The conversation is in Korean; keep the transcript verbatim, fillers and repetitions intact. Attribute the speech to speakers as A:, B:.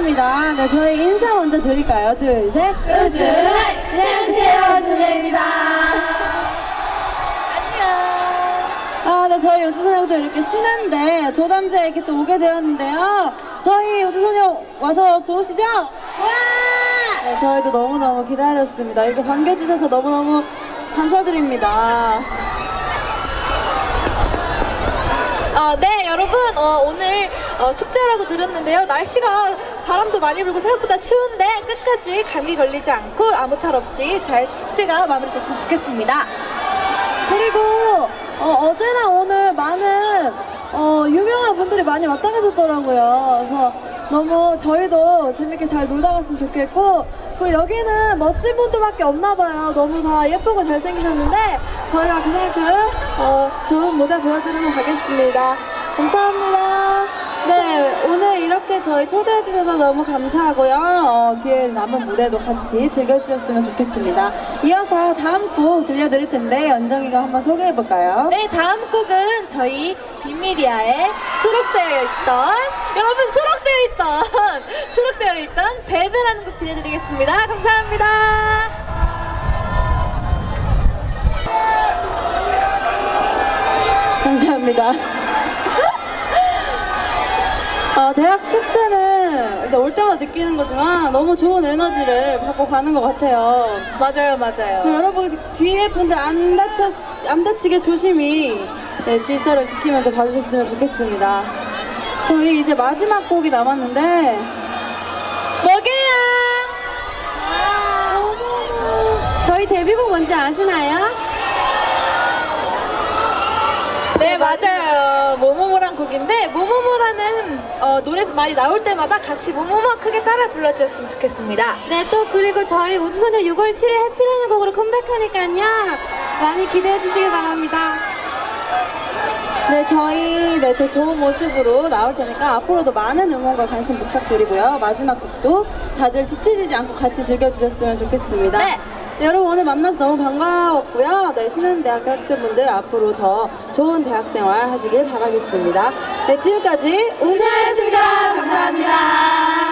A: 감사합니다. 네, 저희 인사 먼저 드릴까요? 둘, 셋.
B: 우주 안녕하세요, 우주입니다.
A: 아, 네, 저희 우주소녀도 이렇게 쉬는데 도담제에 이렇게 또 오게 되었는데요. 저희 우주소녀 와서 좋으시죠? 와! 네, 저희도 너무너무 기다렸습니다. 이렇게 반겨주셔서 너무너무 감사드립니다.
B: 어, 네, 여러분, 어, 오늘 어, 축제라고 들었는데요. 날씨가 바람도 많이 불고 생각보다 추운데 끝까지 감기 걸리지 않고 아무 탈 없이 잘 축제가 마무리됐으면 좋겠습니다.
A: 그리고 어, 어제나 오늘 많은 어, 유명한 분들이 많이 왔다 가셨더라고요. 그래서 너무 저희도 재밌게 잘 놀다 갔으면 좋겠고, 그리고 여기는 멋진 분들밖에 없나 봐요. 너무 다 예쁘고 잘생기셨는데 저희가 그만큼 어, 좋은 무대 보여드리고 가겠습니다. 감사합니다. 네, 오늘 이렇게 저희 초대해 주셔서 너무 감사하고요. 어, 뒤에 남은 무대도 같이 즐겨주셨으면 좋겠습니다. 이어서 다음 곡 들려드릴 텐데 연정이가 한번 소개해 볼까요?
B: 네, 다음 곡은 저희 빈미리아에 수록되어 있던, 여러분 수록되어 있던, 수록되어 있던 베베라는 곡 들려드리겠습니다. 감사합니다.
A: 감사합니다. 어, 대학 축제는 올 때마다 느끼는 거지만 너무 좋은 에너지를 받고 가는 것 같아요.
B: 맞아요, 맞아요.
A: 네, 여러분 뒤에 분들 안 다쳐 안 다치게 조심히 네, 질서를 지키면서 봐주셨으면 좋겠습니다. 저희 이제 마지막 곡이 남았는데
B: 먹여요.
A: 저희 데뷔곡 뭔지 아시나요?
B: 네, 맞아요. 모모모란 곡인데, 모모모라는 어, 노래 말이 나올 때마다 같이 모모모 크게 따라 불러주셨으면 좋겠습니다.
A: 네, 또 그리고 저희 우주소녀 유월 칠일 해피라는 곡으로 컴백하니까요. 많이 기대해 주시길 바랍니다. 네, 저희 네, 더 좋은 모습으로 나올 테니까 앞으로도 많은 응원과 관심 부탁드리고요. 마지막 곡도 다들 뒤처지지 않고 같이 즐겨주셨으면 좋겠습니다.
B: 네.
A: 네, 여러분 오늘 만나서 너무 반가웠고요. 네, 신한대학교 학생분들 앞으로 더 좋은 대학생활 하시길 바라겠습니다. 네, 지금까지 우주였습니다. 감사합니다.